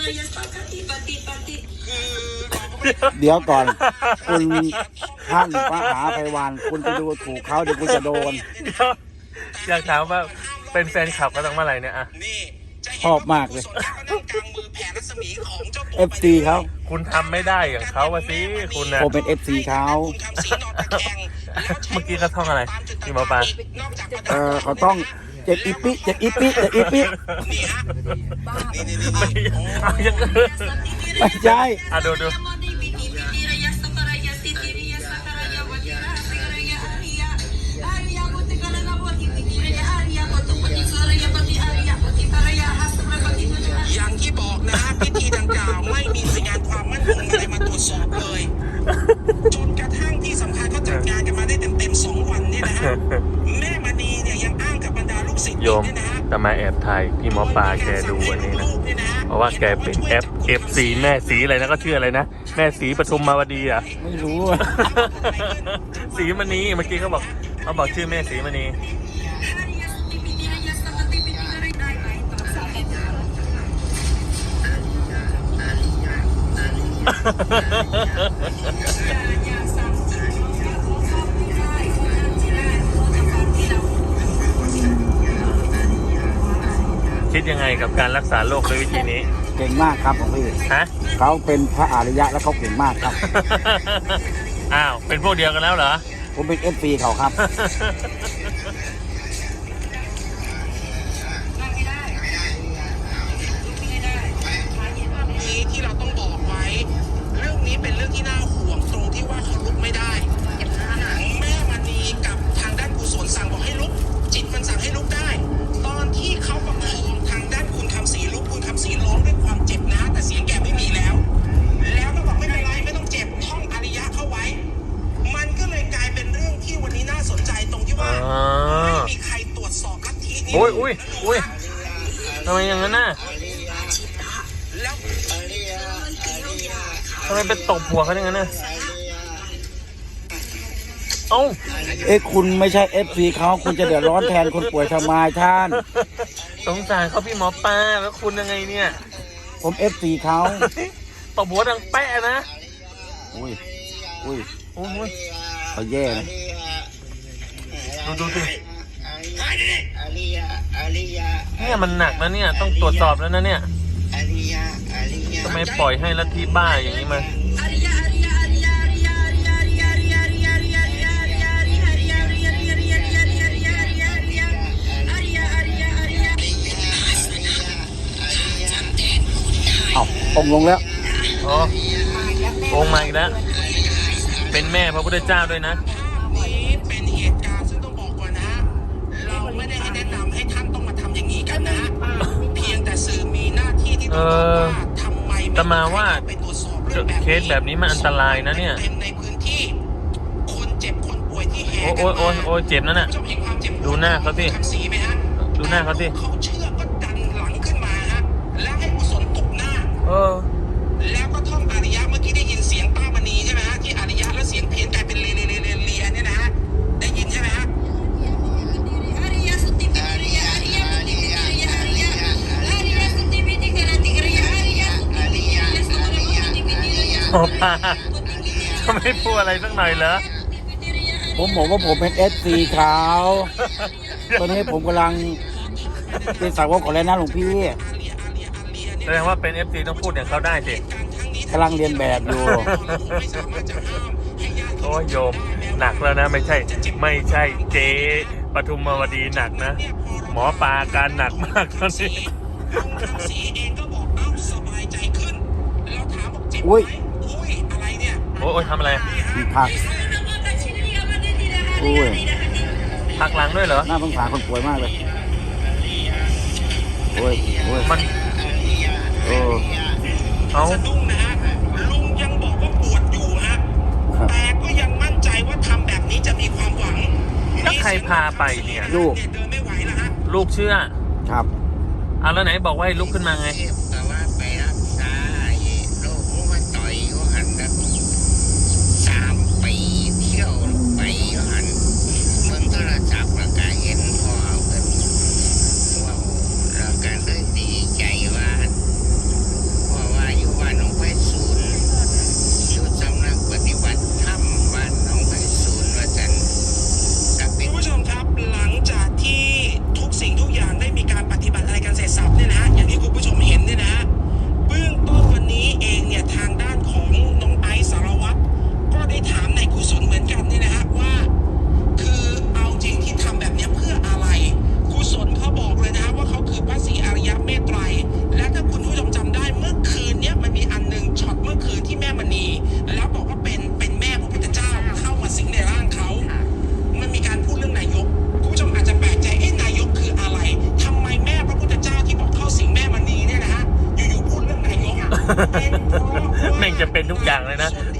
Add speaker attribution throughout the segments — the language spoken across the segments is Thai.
Speaker 1: เดี๋ยวก่อนคุณท่านมหาไพวันคุณไปดูถูกเขาเดี๋ยวคุณจะโดน
Speaker 2: อยากถามว่าเป็นแฟนคลับกันตั้งเมื่อไหร่เนี่ยอะ
Speaker 1: ชอบมากเลย FC เขา
Speaker 2: คุณทำไม่ได้อย่างเขาวะสิคุณนะ
Speaker 1: ผมเป็น FC เขา
Speaker 2: เมื่อกี้เขาท่องอะไรพี่หมอปลา
Speaker 1: เขาต้องเจ็บอีปิเจ็บอีปิเจ็บอีปิไม่ใช่
Speaker 2: ดู
Speaker 3: อย่างที่บอกนะพิธีดังกล่าวไม่มีหน่วยงานความมั่นคงอะไรมาตรวจสอบเลยจนกระทั่งที่สำคัญก็จัดงานกันมาได้เต็ม2 วันเนี่ยนะฮะแม่มณีเนี่ยยังอ้างกับบรรดาลูกศิษย์
Speaker 2: โยมจะมาแอบถ่ายพี่หมอปลาแกดูวันนี้นะเพราะว่าแกเป็น FC แม่สีอะไรนะก็ชื่ออะไรนะแม่สีปทุมมาวดีอ่ะ
Speaker 1: ไม่รู้
Speaker 2: สีมณีเมื่อกี้เขาบอกชื่อแม่สีมณีคิดยังไงกับการรักษาโรคด้วยวิธีนี้
Speaker 1: เก่งมากครับของพี่เขาเป็นพระอริยะแล้วเขาเก่งมากครับ
Speaker 2: อ้าวเป็นพวกเดียวกันแล้วเหรอ
Speaker 1: ผมเป็น FC เขาครับ
Speaker 3: ที่เราต้องบอกไว้เรื่องนี้เป็นเรื่องที่น่าห่วงตรงที่ว่าเขาลุกไม่ได้แม่มณีกับทางด้านกุศลสั่งบอกให้ลุกจิตมันสั่งให้ลุกได้ตอนที่เขาประคองทางด้านคุณคำศรีลุกคุณคำศรีร้องด้วยความเจ็บนะแต่เสียงแกไม่มีแล้วก็บอกไม่เป็นไรไม่ต้องเจ็บท่องอริยะเข้าไว้มันก็เลยกลายเป็นเรื่องที่วันนี้น่าสนใจตรงที่ว่าไม่มีใครตรวจสอบลัทธินี้
Speaker 2: อุ้ยทำไมอย่างนั้นน่ะทำไมเป็นตบหัวเขาอย่างนั้นน่ะ
Speaker 1: คุณไม่ใช่ FC เขาคุณจะเดือดร้อนแทนคนป่วยทำไมท่าน
Speaker 2: สงสารเขาพี่หมอปลาแล้วคุณยังไงเนี่ย
Speaker 1: ผม FC เขา
Speaker 2: ตบหัวดังแปะนะ
Speaker 1: อุ้ยเขาแย่นะ
Speaker 2: ดูสิเนี่ยมันหนักนะเนี่ยต้องตรวจสอบแล้วนะเนี่ยทำไมปล่อยให้ลัทธิบ้าอย่างนี้มา
Speaker 1: องลงแล้ว
Speaker 2: องมาอีกแล้วเป็นแม่พระพุทธเจ้าด้วยนะ
Speaker 3: นี่เป็นเหตุการณ์ซึ่งต้องบอกก่อนนะเราไม่ได้ให้แนะนำให้ท่านต้องมาทำอย่างนี้กันนะเพียงแต่สื่อมีหน้าที่ที่ต้องบอกว่าทำไม
Speaker 2: แต่มาว่าเคสแบบนี้มันอันตรายนะเนี่ย
Speaker 3: ในพื้นที่คนเจ็บคนป่วยที่แห่
Speaker 2: โอ้เจ็บนั่นน่ะดูหน้าเขาสิดูหน้าเขาสิ
Speaker 3: เขาเชื่อก็ดันหลังขึ้นมาฮะแล้วให้กุศลตบหน้าแล้วก็ท่องอริยะเมื่อกี้ได้ยินเสียงป้ามณีใช่ไหมฮะที่อริยะแล้วเสียงเพี้ยนกลายเป็นเลียเนี่ยนะฮะได้ยินใช่ไหมฮะ
Speaker 2: หมอปลาจะไม่พูดอะไรสักหน่อยเหรอ
Speaker 1: ผมบอกว่าผมเป็น FC เขาตอนนี้ผมกำลังเป็นสาวกของแล้วนะหลวงพี่
Speaker 2: แสดงว่าเป็น FC ต้องพูดอย่างเขาได้สิ
Speaker 1: กำลังเรียนแบบอยู่
Speaker 2: โอ้ยโยมหนักแล้วนะไม่ใช่เจ๊ปทุมมาวดีหนักนะหมอปลาการหนักมากตอนนี้
Speaker 1: อุ้ย
Speaker 3: อะไรเนี่ย
Speaker 2: โอ้ยทำอะไร
Speaker 1: พัก
Speaker 2: พักหลังด้วยเหรอ
Speaker 1: น่าสงสารคนป่วยมากเลย
Speaker 2: มัน
Speaker 3: สะดุ้งนะฮะลุงยังบอกว่าปวดอยู่ฮะแต่ก็ยังมั่นใจว่าทำแบบนี้จะมีความหวัง
Speaker 2: ถ้าใครพาไปเนี่ย
Speaker 1: ลูก
Speaker 3: เดินไม่ไหวแล้วฮะ
Speaker 2: ลูกเชื่อ
Speaker 1: ครับ
Speaker 2: แล้วไหนบอกว่าให้ลุกขึ้นมาไง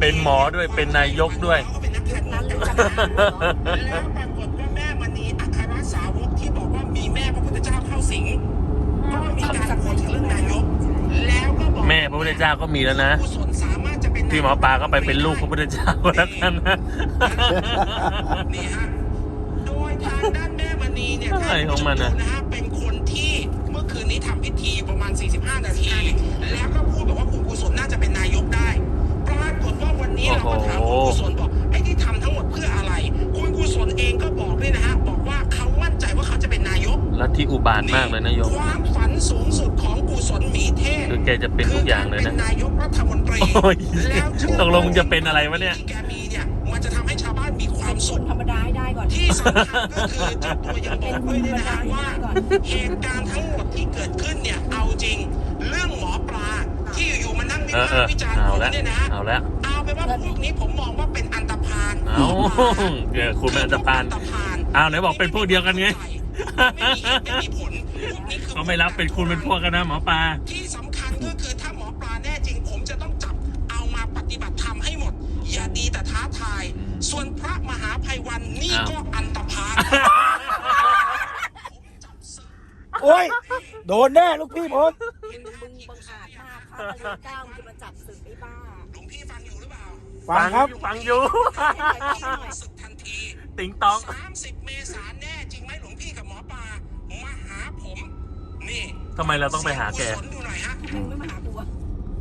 Speaker 2: เป็นหมอด้วยเป็นนายกด้วย
Speaker 3: เขาก็เป็นนักการเมืองแล้วปรากฏว่าแม่มณีอัครสาวกที่บอกว่ามีแม่พระพุทธเจ้าเข้าสิงก็มีการพูดถึงเรื่องนายกแล้วก็บอก
Speaker 2: แม่พระพุทธเจ้าก็มีแล้วนะ
Speaker 3: กุศลสามารถจะเป็น
Speaker 2: พี่หมอปลาก็ไปเป็นลูกพระพุทธเจ้าแล้วกันนะ
Speaker 3: นี่ฮะโดยทางด้านแม่มณีเนี่ย
Speaker 2: อะไรของมันอะ
Speaker 3: นะฮะเป็นคนที่เมื่อคืนนี้ทำพิธีประมาณ 45 นาที แล้วก็พูดบอกว่าคุณกุศลน่าจะเป็นนายกได้ ปรากฏว่าวันนี้เราก็ถามคุณกุศลบอกไอ้ที่ทำทั้งหมดเพื่ออะไร คุณกุศลเองก็บอกด้วยนะฮะบอกว่าเขามั่นใจว่าเขาจะเป็นนายก
Speaker 2: ลัทธิอุบาทมากเลยนะโยม
Speaker 3: ความฝันสูงสุดของกุศลหมีเทพ
Speaker 2: คือแกจะเป็นทุกอย่างเลยนะ
Speaker 3: คืกรเป็นนายกรัฐมนตรี
Speaker 2: โอ้ย
Speaker 3: แล้ว
Speaker 2: ตกลงมึงจะเป็นอะไรวะเนี่ย
Speaker 3: ที่แกมีเนี่ยมันจะทำให้ชาวบ้านมีความสุข
Speaker 4: ธรรมดาให้ได้ก่อน
Speaker 3: ที่สำคัญก็คือเจ้าตัวยังบอกด้วยนะฮะว่าเหตุการณ์ทั้งหมดที่เกิดขึ้นเนี่ยเอาจริงเรื่องหมอปลาที่อยู่ๆมานั่งวิพากษ์วิจารณ์
Speaker 2: เอา
Speaker 3: ผม
Speaker 2: ละ
Speaker 3: เนี่ยนะ
Speaker 2: เอาละ
Speaker 3: เอาไปนว่าพวกนี้ผมมองว่าเป็นอันตพาล
Speaker 2: เอาเดี๋ยวคุณเป็นอันตพาลอ้าวไหนบอกเป็นพวกเดียวกันไง
Speaker 3: ไม่มีเหตุไม่มีผลพวกนี้คือ
Speaker 2: เขาไม่รับเป็นคุณเป็นพวกกันนะหมอปลา
Speaker 3: ที่สำคัญก็คือถ้าหมอปลาแน่จริง ผมจะต้องจับเอามาปฏิบัติธรรมให้หมด อย่าดีแต่ท้าทาย ส่วนพระมหาภัยวันนี่ก็อันตพาล
Speaker 1: โอ้ย โดนแน่ลูกพี่ผม
Speaker 4: มึงบังอาจมากพระพระก้าวมึงจะมาจับศึกไอ้บ้า
Speaker 3: หลวงพี่ฟังอยู่หรือเปล่า
Speaker 1: ฟังครับ
Speaker 2: ฟังอยู่
Speaker 3: ศึกทันที
Speaker 2: ติงตอง
Speaker 3: 30 เมษายนแน่จริงไหมหลวงพี่กับหมอปลามาหาผม นี่
Speaker 2: ทำไมเราต้องไปหาแก
Speaker 3: กุศลดูหน่อยฮะ
Speaker 4: มึงไม่มาหากูอะ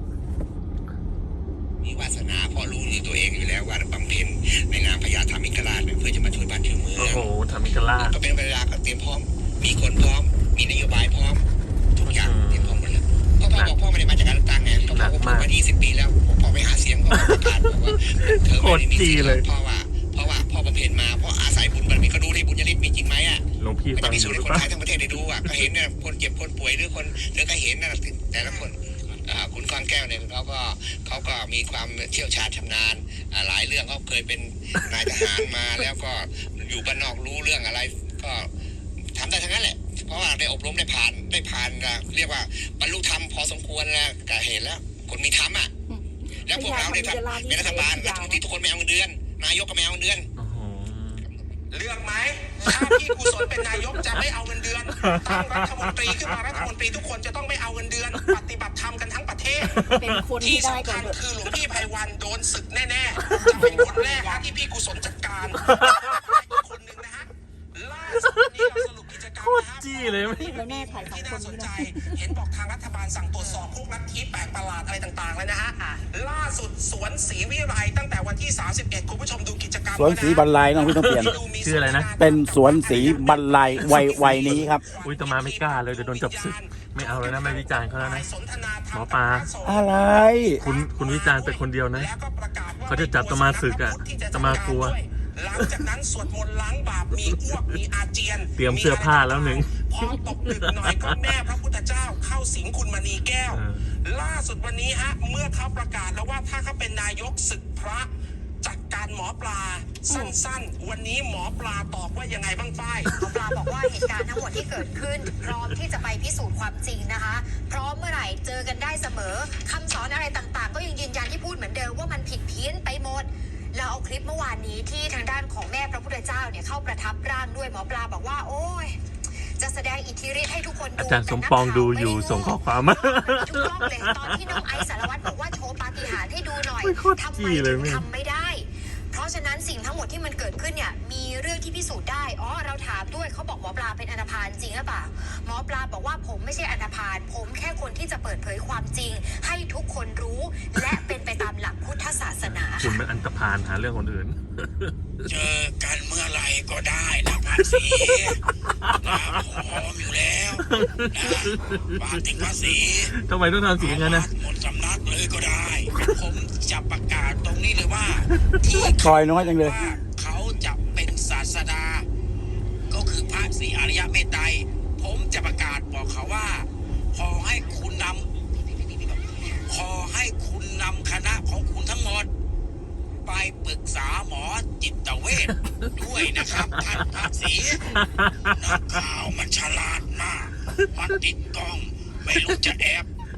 Speaker 5: มีวาสนาเพราะรู้ในตัวเองอยู่แล้วว่าบำเพ็ญในนามพญาธรรมิกราชเพื่อจะมาช่วยบ้านช่วยเมือง
Speaker 2: โอ้โหทำมิกลา
Speaker 5: ก็เป็นเวลาก็เตรียมพร้อม มีคนพร้อม มีนโยบายพร้อม ทุกอย่างเตรียมพร้อมหมดแล้วพ่อบอกพ่อไม่ได้มาจากการเลือกตั้งไงพ่อบอกว่าพ่อมา20 ปีแล้วพ่อไปหาเสียงพ่อประกาศบอกว่าเธอไม่ได้มีสิทธิ์เพราะว่าพ่อบำเพ็ญมาเพราะอาศัยบุญบารมีก็ดูที่บุญญาลิศมีจริงไหมอ่ะ
Speaker 2: หลวงพี่
Speaker 5: มัน
Speaker 2: ฟั
Speaker 5: จะ
Speaker 2: ง
Speaker 5: พิ
Speaker 2: อ
Speaker 5: สูจ
Speaker 2: ยู่
Speaker 5: น์
Speaker 2: หรื
Speaker 5: ให้
Speaker 2: อ
Speaker 5: คน
Speaker 2: เปล่า
Speaker 5: ไทยทั้งประเทศได้ดูอ่ะก็เห็นเนี่ยคนเจ็บคนป่วยหรือก็เห็นนะแต่ละคนคุณก้อนแก้วเนี่ยเขาก็มีความเชี่ยวชาญชำนาญหลายเรื่องเขาเคยเป็นนายทหารมาแล้วก็อยู่บ้านนอกรู้เรื่องอะไรก็ทำได้ทั้งนั้นแหละเพราะว่าได้อบรมได้ผ่านเรียกว่าบรรลุธรรมพอสมควรแล้วก็เห็นแล้วคนมีธรรมอ่ะแล้วพวกเราได้ทำเป็นรัฐบาลรัฐมนตรีทุกคนไม่เอาเงินเดือนนายกก็ไม่เอาเงินเดือน
Speaker 2: โอ้โห
Speaker 3: เลือกไหมถ้าพี่กุศลเป็นนายกจะไม่เอาเงินเดือนตั้งรัฐมนตรีขึ้นมารัฐมนตรีทุกคนจะต้องไม่เอาเงินเดือน ปฏิบัติธรรมกันทั้งประเทศ
Speaker 4: เป็นคน
Speaker 3: ที่
Speaker 4: ที่ได้
Speaker 3: สำ
Speaker 4: ก่อ
Speaker 3: คั
Speaker 4: น
Speaker 3: ญ
Speaker 4: เถอะ
Speaker 3: คือหลวงพี่ไพวันโดนศึกแน่ๆ จะเป็นคนแรกนะที่พี่กุศลจัดการอีกคนหนึ่งนะฮะล่าสุดวันนี้เราสรุปกิจกรรม
Speaker 2: โคตร
Speaker 3: นะฮะ
Speaker 2: จี้เลยไหม
Speaker 4: แล้วแน่ถ่ายสอง
Speaker 3: ที่
Speaker 4: ค
Speaker 3: น่าน สน
Speaker 4: นี่
Speaker 3: ใจ
Speaker 4: นะ
Speaker 3: เห็นบอกทางรัฐบาลสั่งตรวจสอบพวกลัทธิแปลกประหลาดอะไรต่างๆแล้วนะฮะล่าสุดสวนศรีวิไลตั้งแต่วันที่ 31 คุณผู้ชมดูกิจกรรม
Speaker 1: สวนศรีบรรลัยน้องพี่ต้องเปลี่ยน
Speaker 2: ชื่ออะไรนะ
Speaker 1: เป็นสวนศรีบรรลัยวัยนี้ครับ
Speaker 2: อุ้ยตมาไม่กล้าเลยเดี๋ยวโดนจับศึกไม่เอาแล้วนะไม่วิจารณ์เขาแล้วนะหมอปลา
Speaker 1: อะไร
Speaker 2: คุณวิจารณ์แต่คนเดียวนะเขาจะจับตมาศึกอะตมากลัว
Speaker 3: หลังจากนั้นสวดมนต์ล้างบาปมีอ้วกมีอาเจียน
Speaker 2: เตรียมเสื้อผ้าแล้วหนึ่ง
Speaker 3: พอตกดึกหน่อยก็แม่พระพุทธเจ้าเข้าสิงคุณมณีแก้ว ล่าสุดวันนี้ฮะเมื่อเขาประกาศแล้วว่าถ้าเขาเป็นนายกศึกพระจัดการหมอปลาสั้นๆ วันนี้หมอปลาตอบว่ายังไงบ้างฝ้าย
Speaker 6: หมอปลาบอกว่าเหตุการณ์ทั้งหมดที่เกิดขึ้น พร้อมที่จะไปพิสูจน์ความจริงนะคะ พร้อมเมื่อไหร่เจอกันได้เสมอคำสอนอะไรต่างๆ ก็ยังยืนยันที่พูดเหมือนเดิมว่ามันผิดเพี้ยนไปหมดเราเอาคลิปเมื่อวานนี้ที่ทางด้านของแม่พระพุทธเจ้าเนี่ยเข้าประทับร่างด้วยหมอปลาบอกว่าโอ้ยจะแสดงอิทธิฤทธิ์ให้ทุกคนดู
Speaker 2: อาจารย์สมปองดูอยู่ส่งข้อความมา
Speaker 6: ทุกรอบเลยตอนที่น้องไอซ์สารวัตรบอกว่าโชว์ปาฏิหาริย์ให้ดูหน่อย
Speaker 2: โคตร
Speaker 6: ทำ
Speaker 2: จี้
Speaker 6: ไม
Speaker 2: เลย
Speaker 6: ถึง
Speaker 2: แม่
Speaker 6: ทำไม่ได้ เพราะฉะนั้นสิ่งทั้งหมดที่มันเกิดขึ้นเนี่ยมีเรื่องที่พิสูจน์ได้เราถามด้วยเขาบอกหมอปลาเป็นอันธพาลจริงหรือเปล่าหมอปลาบอกว่าผมไม่ใช่อันธพาลผมแค่คนที่จะเปิดเผยความจริง ให้ทุกคนรู้และเป็นไปตามหลักพุทธศาสนา
Speaker 2: คุณเป็นอันตพาลหาเรื่องคนอื่น
Speaker 5: เจอกันเมื่อไหรก็ได้นะภาษีนะพร้อมอยู่แล้วนะฝากถึงภาษี
Speaker 2: ทำไมต้องทำเสียงอย่างนั้นนะ
Speaker 5: หมดสำนักเลยก็ได้ ผมจะประกาศตรงนี้เลยว่า ที่
Speaker 1: คอยน้อยจังเลย
Speaker 5: ว่าเขาจะเป็นศาสดา ก็คือพระศรีอริยเมตไตรผมจะประกาศบอกเขาว่า ขอให้คุณนำคณะของคุณทั้งหมด ไปปรึกษาหมอจิตเวชด้วยนะครับท่านพระศรีนักข่าวมันฉลาดมากมันติดกล้องไม่รู้จะแอบอิทธิ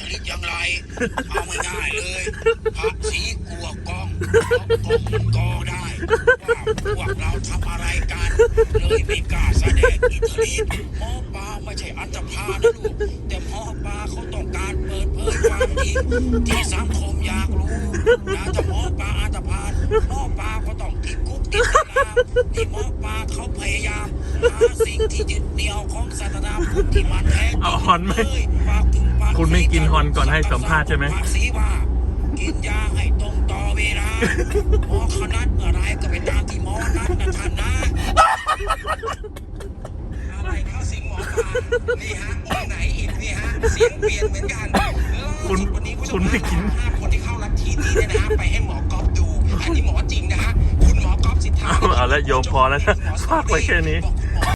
Speaker 3: ฤทธิ์อย่างไร เอาง่ายๆเลยพระศรีกลัวกล้องเพราะกล้องก็ได้ว่าพวกเราทำอะไรกัน เลยไม่กล้าแสดงอิทธิฤทธิ์หมอปลาไม่ใช่อันธพาลนะลูก แต่หมอปลาเขาต้องการเปิดเผยความจริงที่สังคมอยากรู้นะถ้าหมอปลาอันธพาลหมอปลาก็ต้องติดคุกติดตารางที่หมอปลาเขาพยายามหาสิ่งที่ยึดเหนี่ยวของศาสนาพุทธที่มันแท้จริง
Speaker 2: เอาฮอนไหม
Speaker 3: เลยฝากถึงฝาก
Speaker 2: คุณไม่กินฮอนก่อนให้สัมภาษณ์ใช่ไหม
Speaker 3: ฝากสีว่ากินยาให้ตรงต่อเวลาหมอเขานัดเมื่อไรก็ไปตามที่หมอนัดนะท่านนะ อะไรเข้าสิงหมอปลานี่ฮะองค์ไหนอีกนี่ฮะเสียงเปลี่ยนเหมือนกัน
Speaker 2: คุณ
Speaker 3: วันนี้ผู้ช
Speaker 2: คุณไม่กิน
Speaker 3: 5 คนที่เข้าลัทธินี้เนี่ยนะไปให้หมอก๊อฟดูอันนี้หมอจริงนะฮะคุณหมอก๊อฟสิทธา
Speaker 2: เอาละโยมพอแล้วนะฝากไว้แค่นี้
Speaker 3: บอก